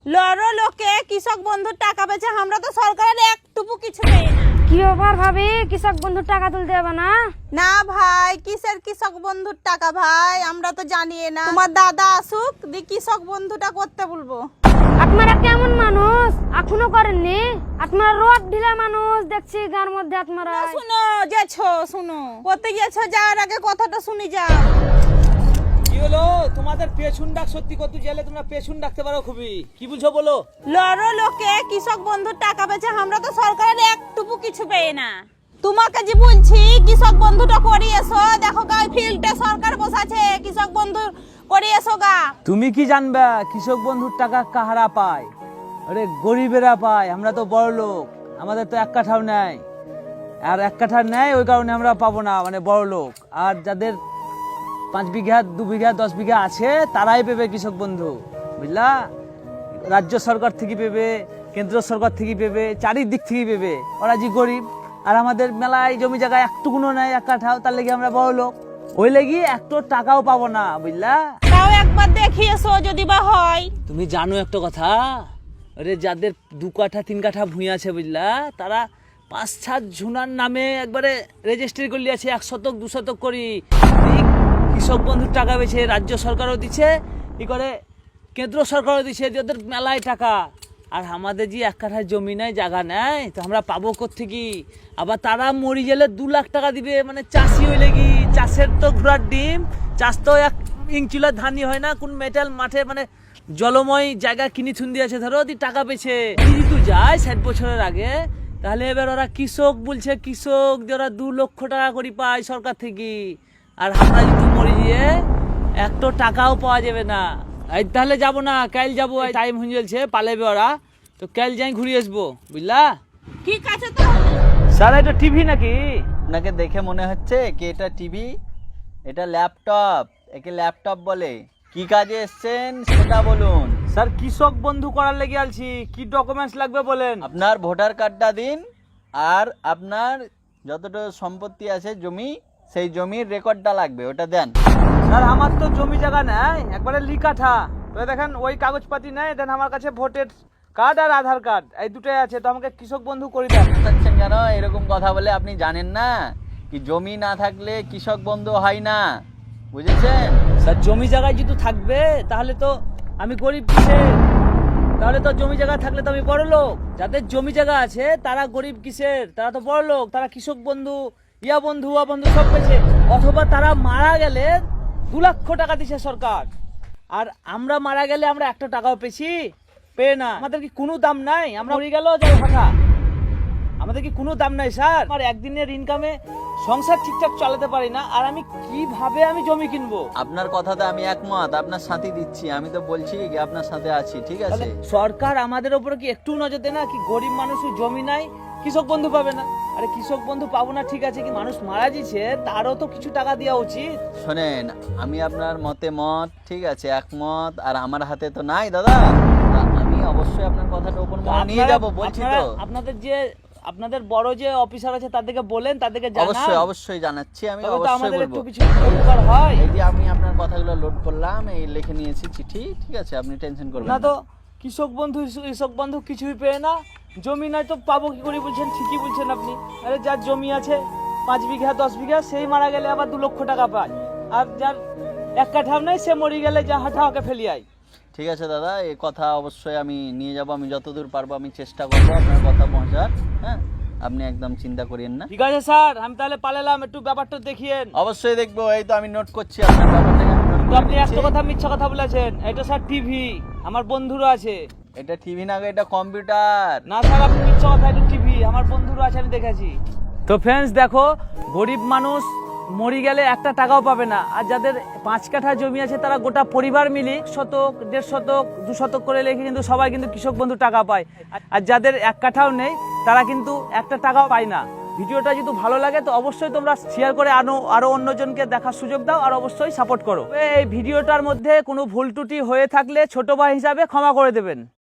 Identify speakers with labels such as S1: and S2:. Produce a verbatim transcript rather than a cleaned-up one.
S1: লড়ো লোকে কৃষক বন্ধুর টাকা পেয়েছে, আমরা তো সরকারের একটুকু কিছু নেই না।
S2: কি ব্যাপার ভাবি, কৃষক বন্ধুর টাকা তুলতে হবে না?
S1: না ভাই, কিসের কৃষক বন্ধুর টাকা ভাই, আমরা তো জানি না। তোমার দাদা আসুক দি কৃষক বন্ধুটা করতে বলবো।
S2: আপনারা কেমন মানুষ, এখনো করেননি? আপনারা রোদ ঢিলা মানুষ দেখছি গার মধ্যে। আপনারা
S1: শুনো যেছো, শুনো করতে গেছো, যাওয়ার আগে কথাটা শুনি যাও।
S3: কি হলো তোমাদের? পেছন ডাক সত্যি কত জেলে তোমরা পেছন ডাকতে পারো খুবই। কি বলছো বলো?
S1: লড়ো লোকে কৃষক বন্ধুর টাকা পেয়েছে, আমরা তো সরকারের একটুকু কিছু পেয়ে না। তোমাকে যে বলছি কৃষক বন্ধুটা করিয়েছো, দেখো গা ফিল্ডে সরকার বসাছে, কৃষক বন্ধু করিয়েছো গা।
S3: তুমি কি জানবা কৃষক বন্ধুর টাকা কাহারা পায়? আরে গরিবেরা পায়, আমরা তো বড় লোক, আমাদের তো এক কাঠাও নেই। আর এক কাঠা নেই ওই কারণে আমরা পাবো না, মানে বড় লোক। আর যাদের পাঁচ বিঘা দু বিঘা দশ বিঘা আছে তারাই পেবে কৃষক বন্ধু, বুঝলা? রাজ্য সরকার থেকে পেবে, কেন্দ্র সরকার থেকে পেবে, চারিদিক থেকে পেবে। ওরা যে গরিব, আর আমাদের মেলায় জমি জায়গায় একটুকুনো নেই, এক কাঠাও, তার লেগে আমরা বড় লোক, ওই লেগে একটু টাকাও পাবো না, বুঝলা?
S1: তাও একবার দেখিয়েছো যদি বা হয়।
S3: তুমি জানো একটা কথা, আরে যাদের দু কাঠা তিন কাঠা ভূমি আছে, বুঝলা, তারা পাঁচ সাত ঝুনার নামে একবারে রেজিস্ট্রি করলি আছে, এক শতক দু শতক করি। এই কৃষক বন্ধুর টাকা পেয়েছে, রাজ্য সরকারও দিচ্ছে, কি করে কেন্দ্র সরকারও দিচ্ছে, যাদের মেলায় টাকা। আর আমাদের যে এক কাঠা জমি নাই, জায়গা নেই, তো আমরা পাবো কোত্থেকে? আবার তারা মরি গেলে দু লাখ টাকা দিবে, মানে চাষি হইলে কি, চাষের তো ঘোড়ার ডিম, চাষ তো এক ইঞ্চিলা ধানই হয় না, কোন মেটাল মাঠে মানে জলময় জায়গা কিনি থুন দিয়েছে, ধরো দি টাকা পেয়েছে। যদি তুই যায় ষাট বছরের আগে, তাহলে এবার ওরা কৃষক বলছে, কৃষক দিয়ে ওরা দু লক্ষ টাকা করে পায় সরকার থেকে। আর আমরা যদি মরি গিয়ে একটা টাকাও পাওয়া যাবে না। এই তাহলে যাবো না, কাল যাবো, টাইম হয়ে যাচ্ছে, পালাবে ওরা, তো কাল যাই ঘুরে আসবো, বুঝলা?
S1: ঠিক আছে তো।
S3: স্যার এটা টিভি নাকি?
S4: আপনাকে দেখে মনে হচ্ছে কি এটা টিভি, এটা ল্যাপটপ, একে ল্যাপটপ বলে। কি কাজে এসেছেন সেটা বলুন।
S3: স্যার কৃষক বন্ধু করার লেগে আলছি, কি ডকুমেন্টস লাগবে বলেন?
S4: আপনার ভোটার কার্ডটা দিন, আর আপনার যতটা সম্পত্তি আছে জমি, সেই জমির রেকর্ডটা লাগবে, ওটা দেন।
S3: স্যার আমার তো জমি জায়গা নেই, একবারে লিকাঠা, তো দেখেন ওই কাগজপাতি নেই, দেন আমার কাছে ভোটের কার্ড আর আধার কার্ড এই দুটোই আছে, তো আমাকে কৃষক বন্ধু করে দেন।
S4: চাচ্ছেন কেন এরকম কথা বলে? আপনি জানেন না কি জমি না থাকলে কৃষক বন্ধু হয় না, বুঝেছেন?
S3: স্যার জমি জায়গায় যদি থাকবে তাহলে তো আমি গরিব কিসের? তাহলে তো জমি জায়গা থাকলে তো আমি বড় লোক। যাদের জমি জায়গা আছে তারা গরিব কিসের? তারা তো বড় লোক, তারা কৃষক বন্ধু, ইয়া বন্ধু, উয়া বন্ধু সব পেয়েছে। অথবা তারা মারা গেলে দু লক্ষ টাকা দিছে সরকার, আর আমরা মারা গেলে আমরা একটা টাকাও পেয়েছি? পেয়ে না। আমাদের কি কোনো দাম নাই? আমরা মরে গেল যাই ফাঁকা, আমাদের কি কোনো দাম নাই স্যার? আমার একদিনের ইনকামে সংসার ঠিকঠাক চালাতে পারি না, আর আমি কিভাবে আমি জমি কিনবো?
S4: আপনার কথাতে আমি একমত, আপনার সাথে দিচ্ছি, আমি তো বলছি কি আপনার সাথে আছি, ঠিক আছে?
S3: তাহলে সরকার আমাদের উপরে কি একটু নজর দেয় না? কি গরিব মানুষের জমি নাই, কৃষক বন্ধু পাবে না? আরে কৃষক বন্ধু পাবো না ঠিক আছে, কি মানুষ মারা যাচ্ছে তারও তো কিছু টাকা দেওয়া উচিত।
S4: শোনেন, আমি আপনার মতে মত, ঠিক আছে, একমত, আর আমার হাতে তো নাই দাদা। আমি অবশ্যই আপনার কথাটা ওপেন নিয়ে যাব, বলছি তো।
S3: আপনাদের যে আপনাদের বড় যে অফিসার আছে তাদেরকে বলেন, তাদেরকে জানান।
S4: অবশ্যই অবশ্যই জানাচ্ছি, আমি
S3: তবে তো
S4: অবশ্যই
S3: আমাদের
S4: বলবো।
S3: একটু কিছু উপকার হয়।
S4: এই যে আমি আপনার কথাগুলো লোড করলাম, এই লিখে নিয়েছি চিঠি, ঠিক আছে, আপনি টেনশন করবেন
S3: না
S4: না।
S3: তো কৃষক বন্ধু কৃষক বন্ধু কিছুই পেয়ে না, জমি নাই তো পাবো কি করে বলছেন? ঠিকই বলছেন আপনি। আরে যার জমি আছে পাঁচ বিঘা দশ বিঘা, সেই মারা গেলে আবার দু লক্ষ টাকা পায়, আর যার এক কাঠাও নেই সে মরে গেলে যা হাঁটাকে ফেলি আয়।
S4: ঠিক আছে দাদা, এই কথা অবশ্যই আমি নিয়ে যাব, আমি যতদূর পারবো আমি চেষ্টা করবো আপনার কথা পৌঁছার। হ্যাঁ, আপনি একদম চিন্তা করিয়েন না।
S3: ঠিক আছে স্যার, আমি তাহলে পালালাম, একটু ব্যাপারটা দেখিয়েন।
S4: অবশ্যই দেখবো, এই তো আমি নোট করছি আপনার ব্যাপারটাকে, আমি নোট
S3: তো
S4: করে
S3: আপনি একটা
S4: নিচ্ছি।
S3: কথা মিথ্যা কথা বলেছেন, এটা স্যার টিভি, আমার বন্ধুরা আছে।
S4: এটা টিভি না, এটা কম্পিউটার।
S3: না স্যার আপনি মিথ্যা কথা, এটা টিভি, আমার বন্ধুরা আছে, আমি দেখেছি। তো ফ্রেন্ডস দেখো, গরিব মানুষ মরি গেলে একটা টাকাও পাবে না, আর যাদের পাঁচ কাঠা জমি আছে তারা গোটা পরিবার মিলে শতক দেড় শতক দু শতক করে লেখে কিন্তু সবাই কিন্তু কৃষক বন্ধু টাকা পায়। আর যাদের এক কাঠাও নেই তারা কিন্তু একটা টাকাও পায় না। ভিডিওটা যদি ভালো লাগে তো অবশ্যই তোমরা শেয়ার করে আনো, আরো অন্যজনকে দেখার সুযোগ দাও, আর অবশ্যই সাপোর্ট করো। এই ভিডিওটার মধ্যে কোনো ভুল ত্রুটি হয়ে থাকলে ছোট ভাই হিসাবে ক্ষমা করে দেবেন।